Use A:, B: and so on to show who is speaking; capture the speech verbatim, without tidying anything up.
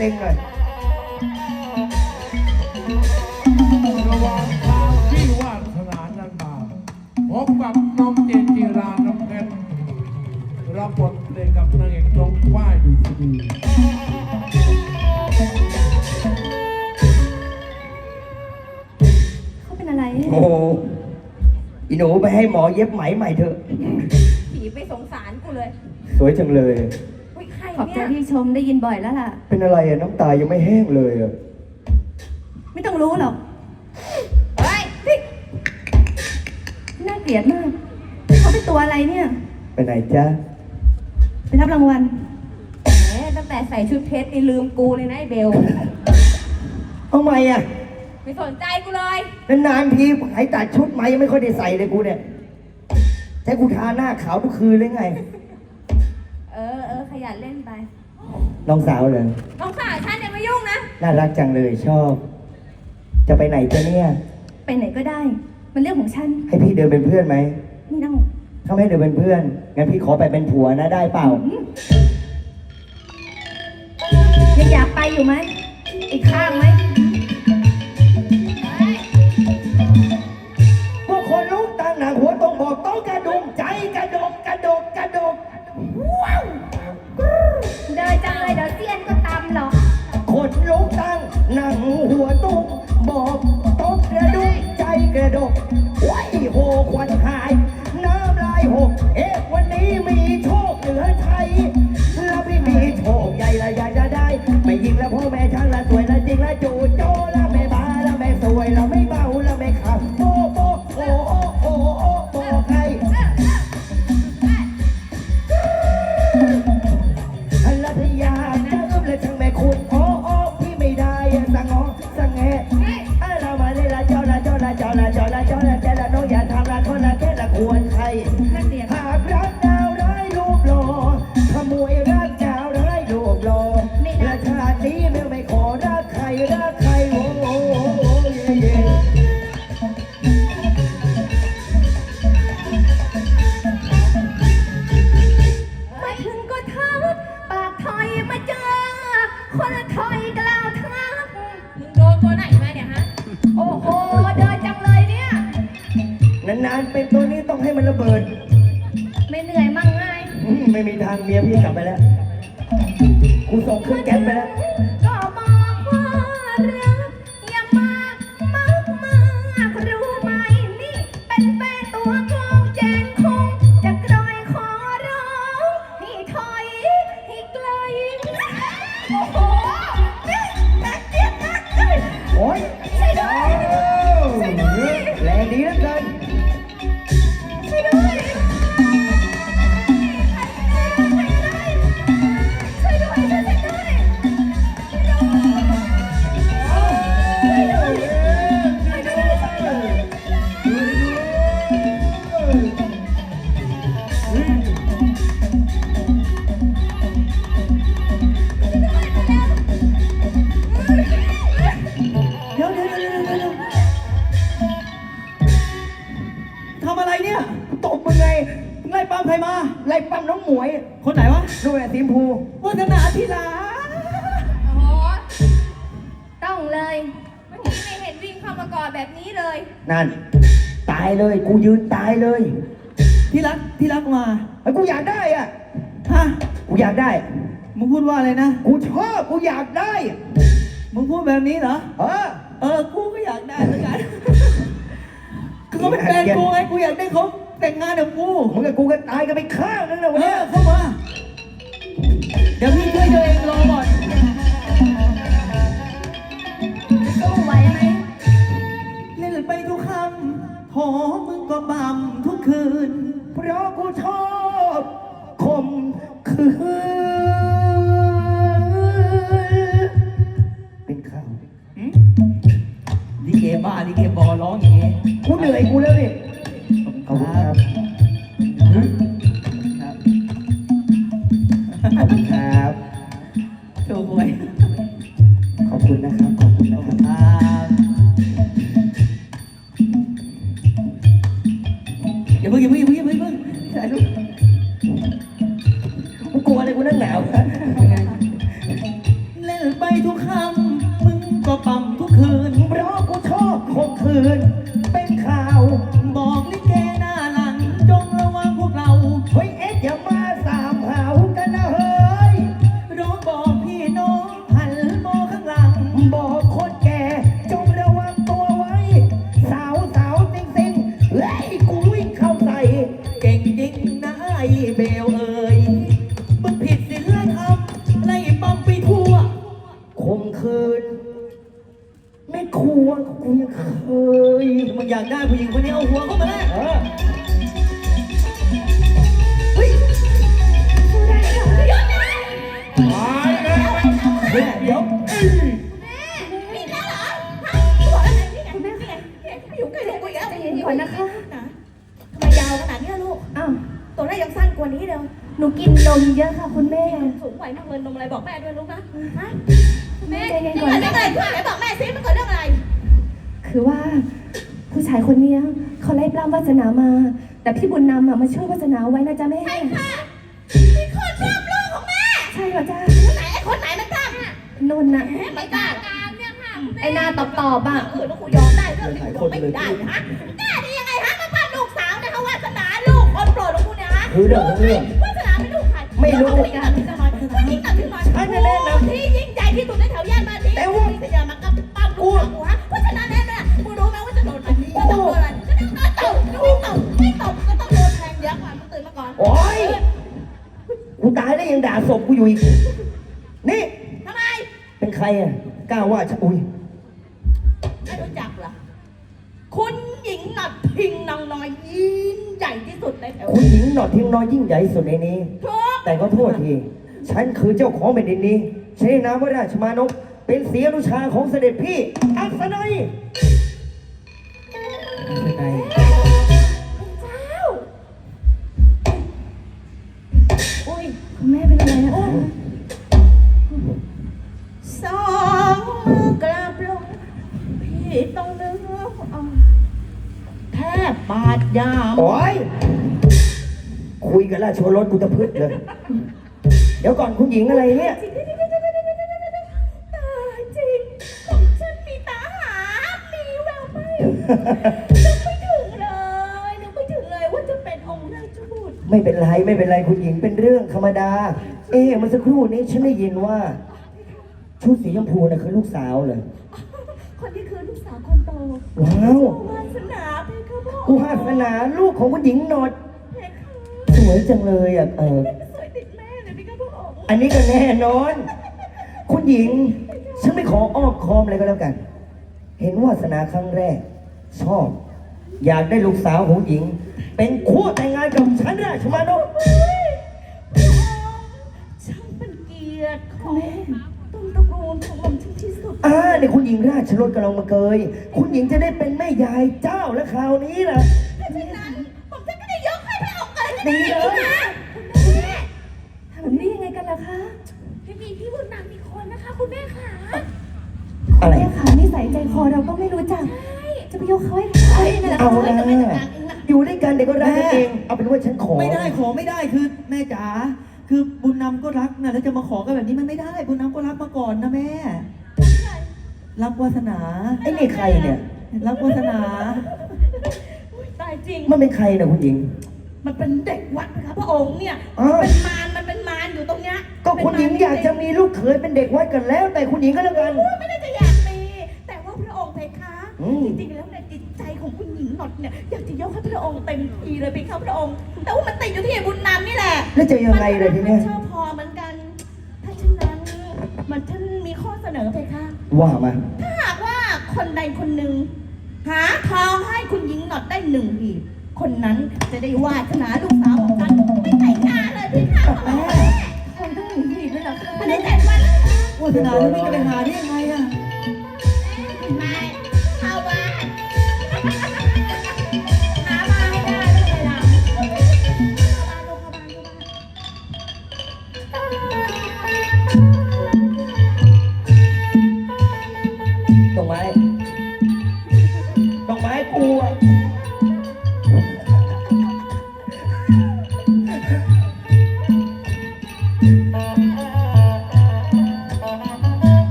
A: เต็งเลย
B: ระหว่างทางที่วาสนานันมาพบกับน้องเจนจีราน้ำเพชรรับบทเล่นกับนางเอกน้องฝ้ายดุษฎี
C: เขาเป็นอะไร
A: โอ้โหอีหนูไปให้หมอเย็บไหมใหม่เถอะ
D: ผีไปสงสารกูเลย
A: สวยจังเลย
D: อุ้ยใคร
C: ขอบใจ
D: เนี่ย
C: ที่ชมได้ยินบ่อยแล้วล่ะ
A: เป็นอะไรอะน้ำตายังไม่แห้งเลยอะ
C: ไม่ต้องรู้หรอก
D: เฮ้ย
C: น่าเกลียดมาก เขาเป็นตัวอะไรเนี่ย
A: ไปไหนจ๊ะ
C: ไปรับรางวัล
D: แหมตั้งแต่ใส่ชุดเพชรนี่ลืมกูเลยนะไอ้เบล
A: เอาไหมอะ
D: ไม่สนใจกูเลย
A: นานๆทีหายตัดชุดไหมยังไม่ค่อยได้ใส่เลยกูเนี่ยใช้กูทาหน้าขาวทุกคืนเลยไง
D: เออเออขยันเล่นไป
A: น้องสาวเลย
D: น้องสาวฉันอย่ามายุ่งนะ
A: น่ารักจังเลยชอบ จะไปไหนจ๊ะเนี่ย
C: ไปไหนก็ได้ มันเรื่องของฉัน
A: ให้พี่เดินเป็นเพื่อนไหม
C: ไม่ต้อง
A: ถ้าไม่ให้เดินเป็นเพื่อนงั้นพี่ขอไปเป็นผัวนะได้เปล่า
C: ยังอยากไปอยู่ไหม อีกข้างไหม
A: พวกคนลุกตั้งหนังหัวตรงบอกต้องกระดุมใจกระดกกระดกกระดกว้าว
C: เดินจังเลยเดี๋ยวเซียนก็ตำหรอก
A: คนลุกตั้งหนังหัวตุ้งบอกต้องกระดุมใจกระดกไว้โหควันหายน้ำลายหกเอ๊ะวันนี้มีโชคเหนือไทยแล้วพี่มีโชคใหญ่ละใหญ่จะได้ไม่ยิงแล้วพ่อแม่ช่างละสวยละจริงละจูโจละไม่บ้าละไม่สวยละไม่เบาละไม่ขับโปโปโอโอโอโอโปใครอันละพยาเจิมและช่างแม่คุณโอโอพี่ไม่ได้สังงอสังแงเรามาเลยละเจ้าละเจ้าละเจ้าละเจ้าละเจ้าละเจ้าละน้องอย่าทำละคนละแค่ละควรใคร
C: น่าเกลียด
A: หากรักดาวร้ายรูปหล่อขโมยรักดาวร้ายรูปหล่อและชาตินี้ไม่ไม่ขอรักใครรักใครโอ้โหเย่เย่
C: มาถึงก็ทักปากถอยมาเจอ คนถอยกล่าวทัก
D: มึงโดนตัวไหนมาเนี่ยฮะ
C: โอ้โห เดินจังเลยเนี่ย
A: นานๆเป็นตัวนี้ต้องให้มันระเบิด
C: ไม่เหนื่อยมั่งไง
A: อืมไม่มีทางเมียพี่กลับไปแล้วกูส่งเครื่องแก๊สไปแล้ว
C: ก็บอกว่ารักอย่ามากมากมากรู้ไหมนี่เป็นแฟนตัวกองแจนคงจะกรอยขอร้องให้ถอยให้ไกลโอ้โหนี่นักเจี๊ยบนักเลย
A: โอ้ย
C: ช่วยด้วยช่วยด้วย
A: แรงดีเหลือเกิน
C: ช่วยด้วยช่วยด้วยช่วยด้วยช่วยด้วย
A: เดี๋ยวเดี๋ยวเดี๋ยวเดี๋ยวเดี๋ยวทำอะไรเนี่ยตบมึงไงไล่ปั๊มใครมาไล่ปั๊มน้องหมวย คนไหนวะดูแลสีชมพูวัฒนาธิลา
D: โอ้โห
C: ต้องเลย
D: เมื่อกี้ไม่เห็นวิ่งเข้ามากอดแบบนี้เลย
A: นั่น ตายเลยกูยืนตายเลย
E: ที่รักที่รักมา
A: ไอ้กูอยากได้อ่ะ
E: ฮะ
A: กูอยากได้
E: มึงพูดว่าอะไรนะ
A: กูชอบกูอยากได้
E: มึงพูดแบบนี้เหรอ
A: เออ
E: เออ กูก็อยากได้เหมือนกันคือเขาเป็นแฟนกูไง กูอยากได้เขาแต่งงานกับกู
A: มึงกับกูก็ตายกันไปข้างนึงนะ
E: เอ
A: วันเนี้
E: อย เข้ามา เดี๋ยวพี่ช่วยตัวเองรอก่อน
C: สู้ไหวไหม
E: เล่นไปทุกคำโหมึงก็บ่ำทุกคืน
A: เพราะกูชอบคมคืนเป็นข้าว
E: ลิเกบ้าลิเกบอร้องอย่างงี้
A: กูเหนื่อยกูแล้วนี่ขอบคุณครับขอบคุณครับ
E: โชว์หวย
A: ขอบคุณนะครับ ขอบคุณนะครับ
E: ครับอย่าเพิ่งอย่าเพิ่งอย่าเพิ่งอย่าเพิ่งอย่าเพิ่งถ่ายรูป
A: กูกลัวอะไรกูนั่งหนาว
E: เล่นไปทุกคำมึงก็ปั๊มทุกคืน
A: เพราะกูชอบคมคืน เป็นข่าว
E: บอกลิเกหน้าหลังจงระวังพวกเรา
A: เฮ้ยเอ็ดอย่ามาสามหาวกันนะเฮ้ย
E: ร้องบอกพี่น้องหันมองข้างหลัง
A: บอกคนแก่จงระวังตัวไว้ สาวสาวติงติงเฮ้ยกูวิ่งเข้าใส่
E: เก่งจริงนะไอ้เบลเอ๋ยมึงผิดศีลธรรมไล่ปั๊มไปทั่ว
A: คมคืน ไม่ครัวกูยังเคย
E: มึงอยากได้ผู้หญิงคนนี้เอาหัวเข้ามาเลย
A: เออ
E: เฮ้ย
B: ตายแล้ว
A: เฮ้ยเดี๋ยว
C: มีแล้วเหรอฮะบอกอะไรนี่ไงนี่ไงอยู่ใกล้ลูกกูอีกแล้ว
D: ใจเย็นก่อนนะคะ
C: นะทำไมยาวขนาดนี้ล่ะลูก
D: อ้าว
C: ตัวแรกยังสั้นกว่านี้เดียว
D: หนูกินนมเยอะค่ะคุณแม่
C: สูงไหวนักเรียนนมอะไรบอกแม่ด้วยลูกนะฮะแม่
D: ใจเย็น
C: เรื่
D: ก่
C: อ
D: อง น
C: อะไรเรื่องอะไรไหนบอกแม่ซิมันเกิดเรื่องอะไร
D: คือว่าผู้ชายคนเนี้ยเขาไล่ปล้ำวาสนามา แต่พี่บุญนำอ่ะมาช่วยวาสนาไว้นะจ๊ะแม่
C: ใช่ค่ะมีคนชอบลูกของแม่
D: ใช่เหรอจ๊ะ
C: คนไหนไอ้คนไหนมันทำ
D: นนท์น่ะ
C: ไม่กล้าการเนี่ยค่ะ
D: ไอ้หน้าตอบตอบๆอ่ะ
C: เออแล้วกูยอมได้เรื่องที่กูยอมไม่ได้นะฮะกล้าได้ยังไงฮะมาปั้มลูกสาวนะคะวาสนาลูกคนโปรดของกูเนี่ยฮะ
A: คือเรื่องของเรื่อง
C: วาสนาไม่ลูกใคร
A: ไม่รู้
C: ผู้หญิงตัดสินใจหน่อยผู้หญิงตัดสินใจหน่อย
A: ฉันจะแนะนำ
C: ที่ยิ่งใหญ่ที่สุดในแถวย่านบ้านนี้
A: แต่ว่า
C: ที่จะมากับปั้มลูกสาวกูฮะเพราะฉะนั้นแล้วเนี่ยมึงรู้ไหมว่าจะโดนอะไรจะโดนอะไรจะโดนตบไม่ตบไม่ตบก็ต้องโดนแทงเยอะกว่ามึงตื่นมาก่อน
A: โอ๊ย กูตายแล้วยังด่าศพกูอยู่อีก นี่
C: ทำไม
A: เป็นใครอ่ะกล้าว่าฉันอุ้ย
C: ไม่รู้จักเหรอคุณหญิงหนอดพิงนางน้อยยิ่งใหญ่ที่สุดในแถว
A: คุณหญิงหนอดทิ้งน้อยยิ่งใหญ่สุดในนี้
C: ทุก
A: แต่ก็โทษที ฉันคือเจ้าของแผ่นดินนี้ใช้นามว่าราชมานพเป็นเสียอนุชาของเสด็จพี่ อัศนัย
E: เป็นไง
C: เจ้า
D: อุ้ยคุณแม่เป็นอะไรอะคะ
C: สองมือกราบลงพี่ต้องเนื้อเอาแทบบาดยาม
A: โอ้ย คุยกับราชโอรสกูตะพึดเลย เดี๋ยวก่อนคุณหญิงอะไรเนี่ย
C: ตายจริงของฉันมีตาหา มีแววไหมนึกไม่ถึงเลยนึกไม่ถึงเลยว่าจะเป็นองค์ราชบุตร
A: ไม่เป็นไรไม่เป็นไรคุณหญิงเป็นเรื่องธรรมดา เอ๊ะเมื่อสักครู่นี้ฉันได้ยินว่า ชุดสีชมพูน่ะคือลูกสาวเหรอ
C: คนที่คือลูกสาวคนโต
A: ว้าว
C: วาสนาเพคะพ่อ
A: กูวาสนาลูกของคุณหญิงหนอด
C: เพคะ
A: สวยจังเลยอ่ะเออ
C: สวยติดแม่เลยเพคะพ่อ
A: อันนี้ก็แน่นอน คุณหญิง ฉันไม่ขออ้อมค้อมอะไรก็แล้วกัน เห็นวาสนาครั้งแรก ชอบ อยากได้ลูกสาวของหญิง เป็นคู่แต่งงานกับฉันราชมานพ
C: ช่างเป็นเกียรติของต้นตระกูลของผมฉันที่สุด
A: อ่าเนี่ยคุณหญิงราชรถกำลังมาเกย คุณหญิงจะได้เป็นแม่ยายเจ้าและคราวนี้ล่ะ
C: ถ้าเช่นนั้นผมจะก็ได้ยกให้พระองค์เลย
A: ดีเลย
C: นะ
D: ทำแบบนี้ยังไงกันล่ะคะ
C: ไม่มีพี่บุญนำมีคนนะคะ คุณแม่ค่ะ
A: อะไร
D: แม่ขานิสัยใจคอเราก็ไม่รู้จัก จะไปยกเขาให้ใครนะ
A: เอา
D: คะ
A: นะอยู่ด้วยกันเดี๋ยวก็รักกันเอง เอาเป็นว่าฉันขอ
E: ไม่ได้ขอไม่ได้คือแม่จ๋าคือบุญนำก็รักนะแล้วจะมาขอกันแบบนี้มันไม่ได้ บุญนำก็รักมาก่อนนะแม่ รักวาสนา
A: ไอ้นี่ใครเนี่ย
E: รักวาสนา
C: ตายจริง
A: มันเป็นใครนะคุณหญิง
C: มันเป็นเด็กวัดนะคะพระองค์เนี่ย
A: อ้าว
C: เป็นมารมันเป็นมารอยู่ตรงเนี้ย
A: ก็คุณหญิงอยากจะมีลูกเขยเป็นเด็กวัดกันแล้ว แต่คุณหญิงก็แล้วกัน
C: ไม่ได้จะอยากมีแต่ว่าพระองค์เพคะ
A: อืม
C: จริงๆแล้วในจิตใจของคุณหญิงหนอดเนี่ยอยากจะยกให้พระองค์เต็มทีเลยเพคะพระองค์ แต่ว่ามันติดอยู่ที่ไอ้บุญนำนี่แหละ
A: แล้วจะยังไงเลยทีเนี้ย
C: มันชอบพอเหมือนกัน ถ้าฉะนั้นมันท่านมีข้อเสนอเพคะ
A: ว่ามา
C: ถ้าหากว่าคนใดคนหนึ่งหาทองให้คุณหญิงหนอดได้หนึ่งหีบคนนั้นจะได้วาสนาลูกสาวของฉันไม่แต่งงานเลยพี่ค่ะ
D: คนต้องหนีดีด้วยเหรอคะ
C: ไม่ได้แต่งวัน
E: วาสนาแล้วไม่จะไปหาได้ยังไง